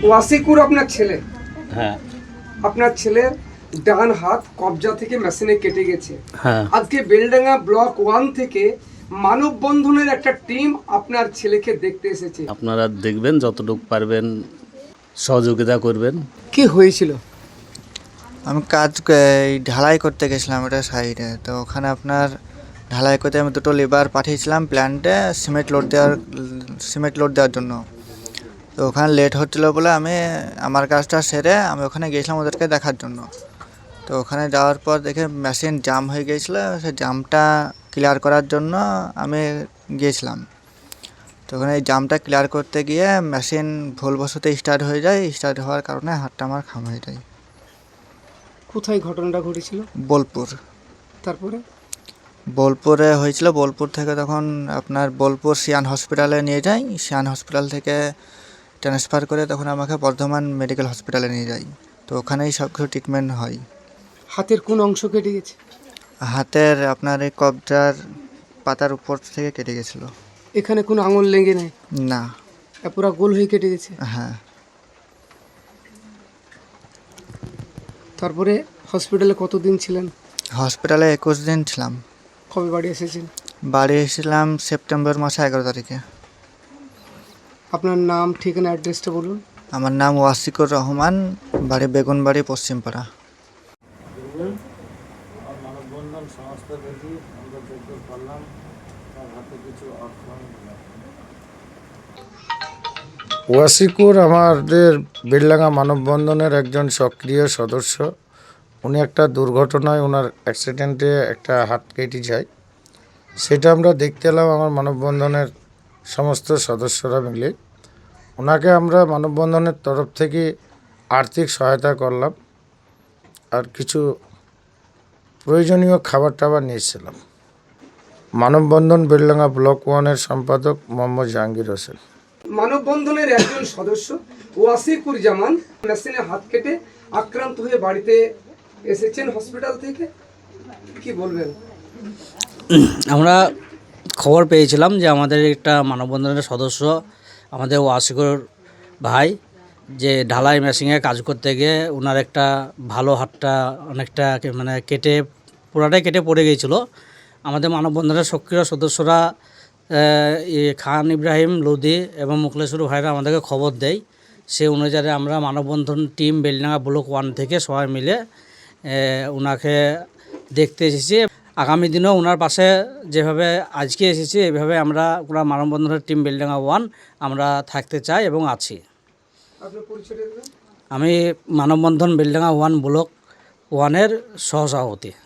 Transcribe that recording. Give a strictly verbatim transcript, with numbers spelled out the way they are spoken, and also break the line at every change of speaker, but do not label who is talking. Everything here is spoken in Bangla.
ওয়াসিকুর আপনার ছেলে,
হ্যাঁ
আপনার ছেলের ডান হাত কবজা থেকে মেশিনে কেটে গেছে।
হ্যাঁ
আজকে বেলডাঙ্গা ব্লক ওয়ান থেকে মানববন্ধনের একটা টিম আপনার ছেলেকে দেখতে এসেছে।
আপনারা দেখবেন, যতটুকু পারবেন সহযোগিতা করবেন।
কি হয়েছিল?
আমি কাজ এই ঢালাই করতে গেছিলাম ওটা সাইডে, তো ওখানে আপনার ঢালাই করতে আমি দুটো লেবার পাঠিয়েছিলাম প্ল্যান্টে সিমেন্ট লোড দেওয়ার সিমেন্ট লোড দেওয়ার জন্য। তো ওখানে লেট হচ্ছিলো বলে আমি আমার কাজটা সেরে আমি ওখানে গিয়েছিলাম ওদেরকে দেখার জন্য। তো ওখানে যাওয়ার পর দেখে মেশিন জাম হয়ে গিয়েছিলো, সেই জামটা ক্লিয়ার করার জন্য আমি গিয়েছিলাম। তো ওখানে এই জামটা ক্লিয়ার করতে গিয়ে মেশিন ভুলবশত স্টার্ট হয়ে যায়, স্টার্ট হওয়ার কারণে হাতটা আমার খাম হয়ে যায়।
কোথায় ঘটনাটা ঘটেছিল?
বোলপুর।
তারপরে
বোলপুরে হয়েছিল, বোলপুর থেকে তখন আপনার বোলপুর সিয়ান হসপিটালে নিয়ে যাই, সিয়ান হসপিটাল থেকে ট্রান্সফার করে তখন আমাকে বর্ধমান মেডিকেল হসপিটালে নিয়ে যাই। তো ওখানেই সব কিছু ট্রিটমেন্ট হয়।
হাতের কোন অংশ কেটে গেছে?
হাতের আপনার এই কবজার পাতার উপর থেকে কেটে গেছিলো।
এখানে কোনো আঙুল লেগে নেই?
না।
এ পুরো গোল হয়ে কেটে গেছে।
হ্যাঁ।
তারপরে হসপিটালে কতদিন ছিলেন?
হসপিটালে একুশ দিন ছিলাম।
কবে বাড়ি এসেছেন?
বাড়ি এসেছিলাম সেপ্টেম্বর মাসে এগারো তারিখে।
আপনার নাম, ঠিকানা, অ্যাড্রেসটা বলুন।
আমার নাম ওয়াসিকুর রহমান, বাড়ি বেগুনবাড়ি, পশ্চিমপাড়া।
মানববন্ধন সমস্ত দেখি আমরা যোগ্য করলাম, তার হাতে কিছু অর্থ।
ওয়াসিকুর আমাদের বেলডাঙ্গা মানববন্ধনের একজন সক্রিয় সদস্য। উনি একটা দুর্ঘটনায় ওনার অ্যাক্সিডেন্টে একটা হাত কেটে যায়, সেটা আমরা দেখতে এলাম আমার মানববন্ধনের সমস্ত সদস্যরা মিলে। ওনাকে আমরা মানববন্ধনের তরফ থেকে আর্থিক সহায়তা করলাম, আর কিছু প্রয়োজনীয় খাবার টাবার নিয়েছিলাম। মানববন্ধন বেলডাঙ্গা ব্লক ওয়ানের সম্পাদক মোহাম্মদ জাহাঙ্গীর হোসেন।
মানববন্ধনের একজন সদস্য ওয়াসিকুর জামান মেশিনে হাত কেটে আক্রান্ত হয়ে বাড়িতে এসেছেন হসপিটাল থেকে, কি বলবেন?
আমরা খবর পেয়েছিলাম যে আমাদের একটা মানববন্ধনের সদস্য আমাদের ওয়াসিকুর ভাই যে ঢালাই মেশিনে কাজ করতে গিয়ে ওনার একটা ভালো হাতটা অনেকটা মানে কেটে পুরাটাই কেটে পড়ে গিয়েছিল। আমাদের মানববন্ধনের সক্রিয় সদস্যরা খান ইব্রাহিম লোদি এবং মুকলেশ্বর ভাইরা আমাদেরকে খবর দেয়। সেই অনুযায়ী আমরা মানববন্ধন টিম বেলডাঙ্গা ব্লক ওয়ান থেকে সবাই মিলে ওনাকে দেখতে এসেছি। আগামী দিনেও ওনার পাশে যেভাবে আজকে এসেছি এইভাবে আমরা ওরা মানববন্ধনের টিম বেলডাঙ্গা ওয়ান আমরা থাকতে চাই এবং আছি। আমি মানববন্ধন বেলডাঙ্গা ওয়ান ব্লক ওয়ানের সহসভাপতি।